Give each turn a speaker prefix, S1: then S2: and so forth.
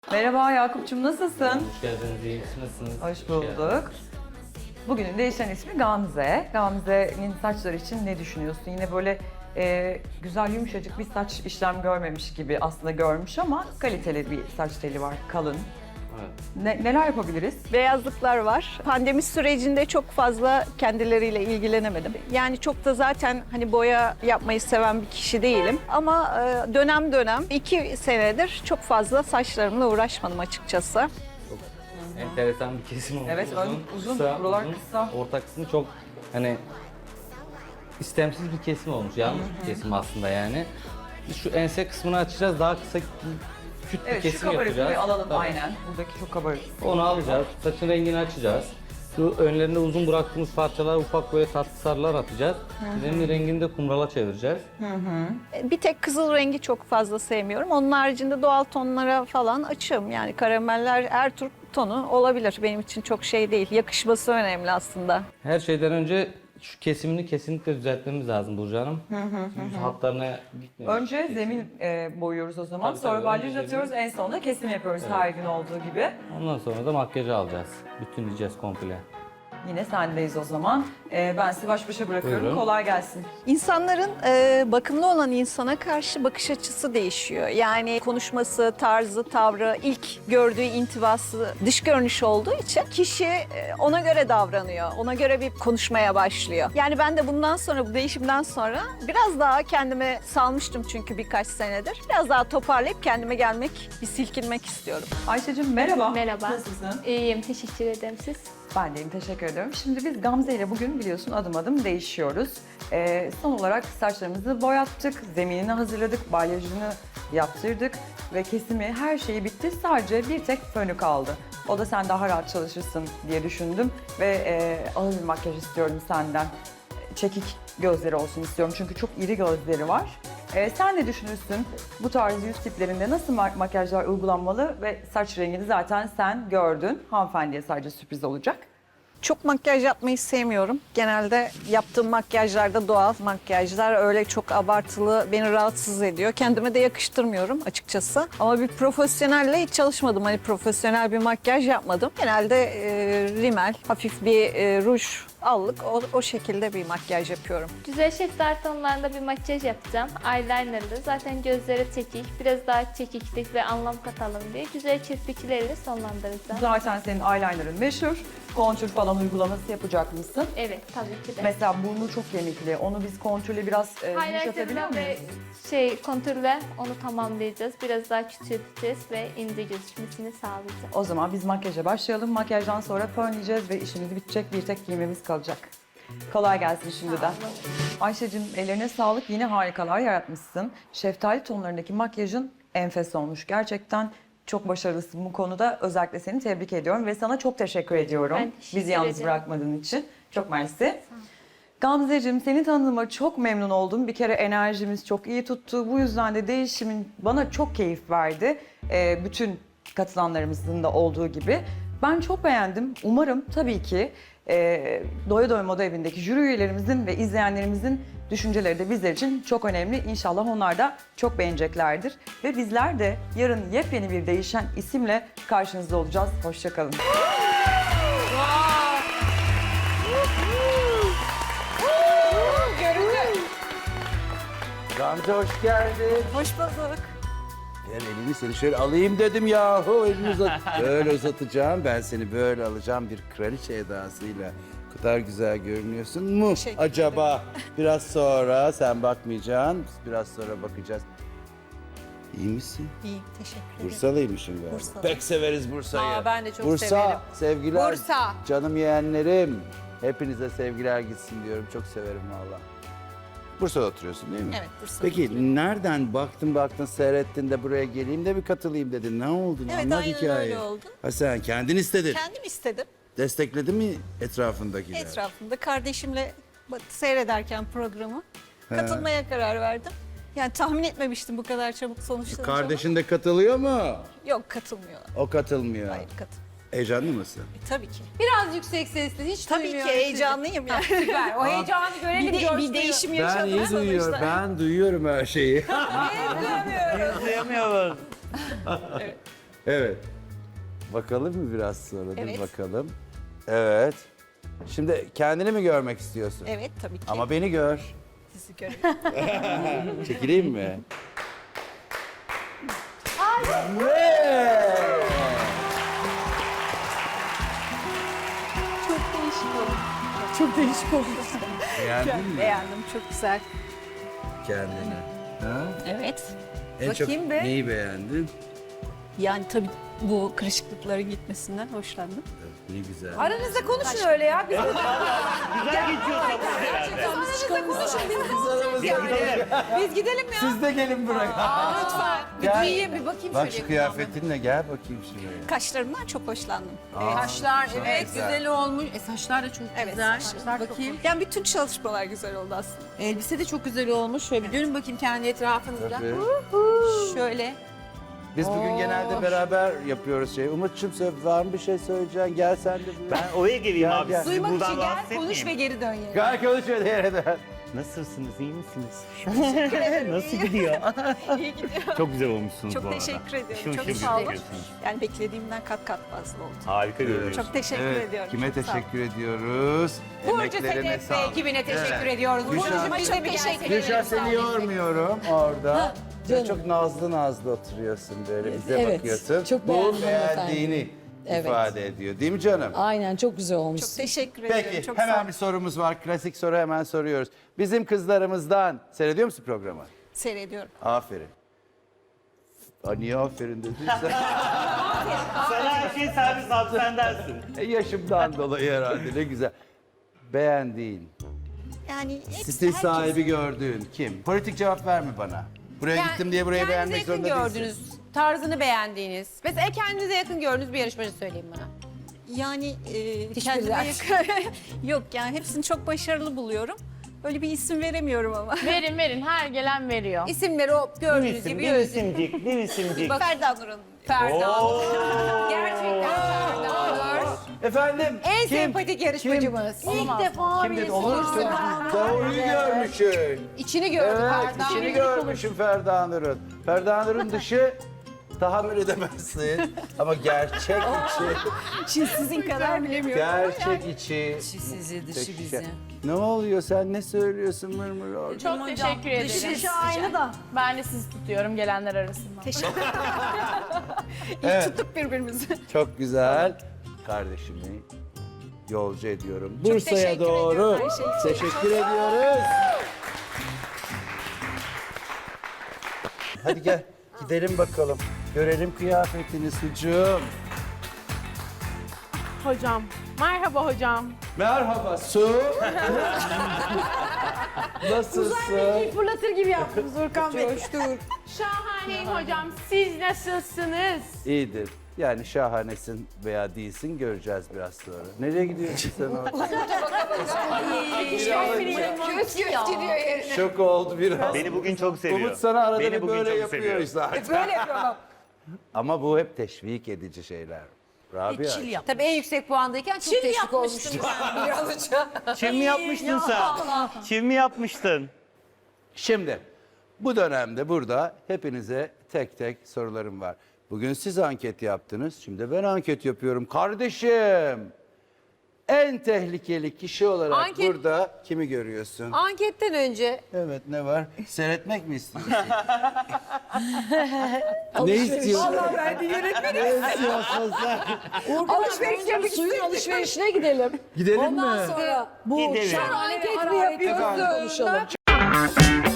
S1: Merhaba Yakup'cum, nasılsın?
S2: Hoş geldiniz, iyi misiniz?
S1: Hoş bulduk. Bugünün değişen ismi Gamze. Gamze'nin saçları için ne düşünüyorsun? Yine böyle güzel yumuşacık bir saç işlem görmemiş gibi aslında görmüş ama kaliteli bir saç teli var, kalın.
S2: Evet.
S1: Neler yapabiliriz?
S3: Beyazlıklar var. Pandemi sürecinde çok fazla kendileriyle ilgilenemedim. Yani çok da zaten hani boya yapmayı seven bir kişi değilim. Ama dönem dönem 2 senedir çok fazla saçlarımla uğraşmadım açıkçası.
S2: Enteresan bir kesim olmuş.
S1: Evet, uzun, buralar kısa.
S2: Orta kısmı çok hani istemsiz bir kesim olmuş. Yanlış bir kesim aslında yani. Biz şu ense kısmını açacağız, daha kısa küt bir
S1: Evet, şu
S2: kesim
S1: kabarıklığı
S2: yapacağız.
S1: alalım
S2: Tabii.
S1: aynen. Buradaki çok kabarık.
S2: Onu alacağız, saçın rengini açacağız. Şu önlerinde uzun bıraktığımız parçalara ufak böyle tatlı sarılar atacağız. Üzerinin rengini de kumrala çevireceğiz.
S3: Bir tek kızıl rengi çok fazla sevmiyorum. Onun haricinde doğal tonlara falan açığım. Yani karameller her tür tonu olabilir. Benim için çok şey değil. Yakışması önemli aslında.
S2: Her şeyden önce şu kesimini kesinlikle düzeltmemiz lazım Burcu Hanım. Yüz hatlarına gitmiyor.
S1: Önce zemin boyuyoruz o zaman.
S2: Tabii,
S1: Sonra
S2: tabii.
S1: balyaj
S2: Önce
S1: atıyoruz. En sonunda kesim yapıyoruz her gün olduğu gibi.
S2: Ondan sonra da makyajı alacağız. Bütünleyeceğiz komple.
S1: Yine sendeyiz o zaman. Ben sizi baş başa bırakıyorum.
S2: Buyurun.
S1: Kolay gelsin.
S3: İnsanların bakımlı olan insana karşı bakış açısı değişiyor. Yani konuşması, tarzı, tavrı, ilk gördüğü intibası dış görünüş olduğu için kişi ona göre davranıyor. Ona göre bir konuşmaya başlıyor. Yani ben de bundan sonra, bu değişimden sonra biraz daha kendime salmıştım çünkü birkaç senedir. Biraz daha toparlayıp kendime gelmek, bir silkinmek istiyorum.
S1: Ayşe'cim merhaba.
S4: Merhaba.
S1: Nasılsın?
S4: İyiyim, teşekkür ederim siz.
S1: Ben deyim, teşekkür ediyorum. Şimdi biz Gamze ile bugün biliyorsun adım adım değişiyoruz. Son olarak saçlarımızı boyattık, zeminini hazırladık, balyajını yaptırdık ve kesimi her şeyi bitti. Sadece bir tek fönü kaldı. O da sen daha rahat çalışırsın diye düşündüm ve ağır bir makyaj istiyorum senden. Çekik gözleri olsun istiyorum çünkü çok iri gözleri var. Sen ne düşünürsün? Bu tarz yüz tiplerinde nasıl makyajlar uygulanmalı ve saç rengini zaten sen gördün. Hanımefendiye sadece sürpriz olacak.
S3: Çok makyaj yapmayı sevmiyorum. Genelde yaptığım makyajlarda doğal makyajlar öyle çok abartılı beni rahatsız ediyor. Kendime de yakıştırmıyorum açıkçası. Ama bir profesyonelle hiç çalışmadım. Hani profesyonel bir makyaj yapmadım. Genelde rimel, hafif bir ruj, allık o şekilde bir makyaj yapıyorum.
S4: Güzel şeftali tonlarında bir makyaj yapacağım. Eyelinerlı. Zaten gözleri çekik. Biraz daha çekiklik ve anlam katalım diye güzel kirpiklerle sonlandıracağım.
S1: Zaten senin eyeliner'ın meşhur. Kontür falan uygulaması yapacak mısın?
S4: Evet, tabii ki de.
S1: Mesela burnu çok kemikli. Onu biz kontürle biraz yumuşatabiliyor
S4: Highlighter'la ve
S1: muyuz?
S4: kontürle onu tamamlayacağız. Biraz daha küçülteceğiz ve ince gözükmesini sağlayacağız.
S1: O zaman biz makyaja başlayalım. Makyajdan sonra fönleyeceğiz ve işimiz bitecek. Bir tek giymemiz kalacak. Kolay gelsin şimdiden. Ayşe'cim ellerine sağlık. Yine harikalar yaratmışsın. Şeftali tonlarındaki makyajın enfes olmuş. Gerçekten çok başarılısın bu konuda. Özellikle seni tebrik ediyorum ve sana çok teşekkür ediyorum.
S4: Ben teşekkür
S1: Bizi yalnız
S4: ederim.
S1: bırakmadığın için. Çok mersi. Gamzeciğim seni tanıdığıma çok memnun oldum. Bir kere enerjimiz çok iyi tuttu. Bu yüzden de değişimin bana çok keyif verdi. Bütün katılanlarımızın da olduğu gibi. Ben çok beğendim. Umarım tabii ki Doya Doya Moda Evi'ndeki jüri üyelerimizin ve izleyenlerimizin düşünceleri de bizler için çok önemli. İnşallah onlar da çok beğeneceklerdir. Ve bizler de yarın yepyeni bir değişen isimle karşınızda olacağız. Hoşça kalın.
S5: Gamze hoş geldin.
S3: Hoş bulduk.
S5: Gel elini seni şöyle alayım dedim yahu. Elini uzat. Böyle uzatacağım. Ben seni böyle alacağım bir kraliçe edasıyla. O kadar güzel görünüyorsun mu
S3: Teşekkür
S5: acaba? Biraz sonra sen bakmayacaksın. Biz biraz sonra bakacağız. İyi misin?
S3: İyi, teşekkür ederim.
S5: Bursalıymışım galiba.
S3: Bursalı.
S5: Pek severiz Bursa'yı.
S3: Aa, ben de çok
S5: Bursa,
S3: severim.
S5: sevgiler.
S3: Bursa.
S5: Canım yeğenlerim. Hepinize sevgiler gitsin diyorum. Çok severim valla. Bursa'da oturuyorsun değil mi?
S3: Evet, Bursa'da
S5: Peki nereden baktın seyrettin de buraya geleyim de bir katılayım dedin. Ne oldu?
S3: Evet,
S5: Anlat
S3: aynen
S5: hikayeyi.
S3: öyle oldu.
S5: Ha sen kendin istedin.
S3: Kendim istedim.
S5: Destekledi mi etrafındakiler?
S3: Etrafımda kardeşimle seyrederken programı katılmaya karar verdim. Yani tahmin etmemiştim bu kadar çabuk sonuçlanacağını.
S5: Kardeşin de katılıyor mu?
S3: Yok, katılmıyor.
S5: O katılmıyor.
S3: Hayır, katılmıyor.
S5: Heyecanlı mısın?
S3: Tabii ki.
S6: Biraz yüksek sesli, hiç
S3: Tabii ki
S6: duymuyorum
S3: heyecanlıyım yani.
S6: sizi. Süper, o heyecanı görelim,
S3: Bir
S6: coşkuyu.
S3: değişim
S5: Ben
S3: yaşadım
S5: iyi duyuyorum.
S3: sonuçta.
S5: Ben duyuyorum her şeyi. Evet. Bakalım mı biraz sonra? Dur
S3: Evet.
S5: bakalım. Evet. Şimdi kendini mi görmek istiyorsun?
S3: Evet tabii ki.
S5: Ama beni gör.
S3: Sizi görüyorum.
S5: Çekileyim mi?
S3: Çok değişik oldu.
S5: Beğendin mi
S3: Beğendim, çok güzel.
S5: kendini? Ha?
S3: Evet.
S5: En çok
S6: Bakayım be.
S5: neyi beğendin?
S3: Yani tabii bu kırışıklıkların gitmesinden hoşlandım.
S5: Ne güzel.
S6: Aranızda konuşun öyle ya. Biz de
S7: Güzel geçiyorsa
S6: aranızda konuşun. Biz ne olacağız yani? Biz gidelim ya.
S5: Siz de gelin buraya.
S6: Lütfen. Bir
S5: Gel.
S6: duyayım bir bakayım
S5: Bak
S6: şöyle.
S5: şu kıyafetinle gel bakayım şuraya.
S3: Kaşlarımdan çok hoşlandım.
S6: Saçlar
S5: Çok
S6: evet
S5: güzel.
S6: güzel olmuş. Saçlar da çok
S3: Evet,
S6: güzel.
S3: saçlar çok
S6: Bakayım.
S3: Yani bütün çalışmalar güzel oldu aslında.
S6: Elbise de çok güzel olmuş. Şöyle bir dönün bakayım kendi etrafınızda.
S5: Tabii.
S6: Şöyle.
S5: Biz bugün genelde beraber yapıyoruz şey. Umut'cum var mı bir şey söyleyeceksin? Gel sen de buraya.
S7: ben oraya geleyim
S5: Gel,
S7: abi.
S5: gel.
S7: Sizi
S6: Duymak
S7: buradan
S6: için gel,
S7: rahatsız
S6: konuş ve
S7: etmeyeyim.
S6: geri dön yani.
S5: Gel konuş öyle yere de.
S7: Nasılsınız? İyi misiniz? Nasıl gidiyor?
S3: İyi gidiyor.
S7: Çok güzel olmuşsunuz
S3: Çok
S7: bu arada.
S3: teşekkür ediyorum.
S7: Işıl
S3: Çok
S7: ışıl
S3: sağ olun.
S7: gözüküyorsunuz.
S3: Yani beklediğimden kat kat fazla oldu.
S7: Harika görünüyorsunuz.
S3: Çok teşekkür
S5: Evet,
S3: ediyorum.
S5: kime
S3: Çok sağ olun.
S5: teşekkür ediyoruz?
S6: Burcu
S5: Emeklerine
S6: Sedef ve
S5: sağlık.
S6: ekibine teşekkür
S5: Evet.
S6: ediyoruz.
S5: Gülşah-
S6: Burcu'cum biz de
S3: Çok
S6: bir
S3: teşekkür
S6: gelsene.
S5: Gülşah seni yormuyorum orada. Sen çok nazlı nazlı oturuyorsun böyle bize
S8: Evet,
S5: bakıyorsun.
S8: çok
S5: Bu
S8: beğendim
S5: beğendiğini
S8: Evet.
S5: ifade ediyor. Değil mi canım?
S8: Aynen çok güzel olmuş.
S3: Çok teşekkür ediyorum.
S5: Peki
S3: Çok sağ
S5: hemen
S3: olun.
S5: bir sorumuz var. Klasik soru hemen soruyoruz. Bizim kızlarımızdan seyrediyor musun programı?
S3: Seyrediyorum.
S5: Aferin. Aa, niye aferin dedin sen?
S7: Sana her şey servis abi sen dersin.
S5: Yaşımdan dolayı herhalde ne güzel. Beğendiğin,
S3: Yani hepsi
S5: stil
S3: herkes-
S5: sahibi gördüğün kim? Politik cevap verme bana. Buraya gittim diye burayı beğenmek
S6: Kendinize yakın
S5: zorunda değilsin.
S6: gördünüz, tarzını beğendiğiniz. Mesela kendinize yakın gördüğünüz bir yarışmacı söyleyin bana.
S3: Yani
S6: Hiçbiri
S3: kendime
S6: değil.
S3: yakın. Yok yani hepsini çok başarılı buluyorum. Öyle bir isim veremiyorum ama.
S9: Verin verin her gelen veriyor.
S6: İsimleri o
S7: Bir
S6: gördüğünüz
S7: isim,
S6: gibi
S7: bir
S6: özür.
S7: isimcik, bir isimcik.
S3: Ferda Nur Hanım.
S6: Ferda.
S7: Oo.
S6: Gerçekten Ferda Nur.
S5: Efendim?
S6: En
S5: kim?
S6: sempatik yarışmacımız. İlk defa
S5: Kim dedi? Olur mu? Doğruyu görmüşsün.
S6: İçini gördü
S5: Evet,
S6: Ferda.
S5: içini görmüşüm Ferda Nur'un. Ferda Nur'un dışı tahammül edemezsin. Ama gerçek içi,
S3: Şimdi sizin kadar bilemiyorum.
S5: gerçek içi.
S8: Sizi
S5: Peki, ne oluyor sen ne söylüyorsun mırmır orada?
S9: Çok teşekkür ederim.
S3: Dışı aynı da.
S9: Ben de sizi tutuyorum gelenler arasında.
S3: Teşekkür
S5: Evet.
S3: Tuttuk birbirimizi.
S5: Çok güzel. Kardeşimi yolcu ediyorum. Bursa'ya
S3: teşekkür
S5: doğru.
S3: ediyorum her şey için.
S5: Teşekkür ediyoruz. Hadi gel gidelim bakalım. Görelim kıyafetini sucuğum.
S9: Hocam. Merhaba hocam.
S5: Merhaba Su. Nasılsın?
S9: Fırlatır gibi yaptınız Urkan Bey. Şahaneyim hocam. Siz nasılsınız?
S5: İyidir. Yani şahanesin veya değilsin göreceğiz biraz sonra. Nereye gidiyorsun sen orada?
S6: Göz gidiyor yerine.
S5: Şok oldu biraz.
S7: Beni bugün çok seviyor.
S5: Umut sana arada
S7: Beni
S5: bir
S7: bugün
S5: böyle
S7: çok
S5: yapıyor
S7: seviyor.
S5: zaten.
S6: Böyle yapıyorum.
S5: Ama bu hep teşvik edici şeyler. Rabia.
S6: Tabii en yüksek puandayken çok teşvik olmuştum ben bir an önce.
S7: Çim mi yapmıştın sen? Çim mi yapmıştın?
S5: Şimdi bu dönemde burada hepinize tek tek sorularım var. Bugün siz anket yaptınız. Şimdi ben anket yapıyorum. Kardeşim en tehlikeli kişi olarak
S6: Anket-
S5: burada kimi görüyorsun?
S6: Anketten önce
S5: Evet ne var? Seyretmek mi istiyorsun? Ne istiyorsun?
S6: vallahi ben de yönetmenim.
S5: Ne istiyorsun sen?
S6: Alışveriş yapmak
S8: Suyun
S6: istedim.
S8: alışverişine gidelim.
S5: Gidelim
S8: Ondan
S5: mi?
S8: sonra bu
S7: Gidelim.
S8: şahane
S6: Anket mi
S8: hararetli
S6: yapıyorsun?
S8: konuşalım.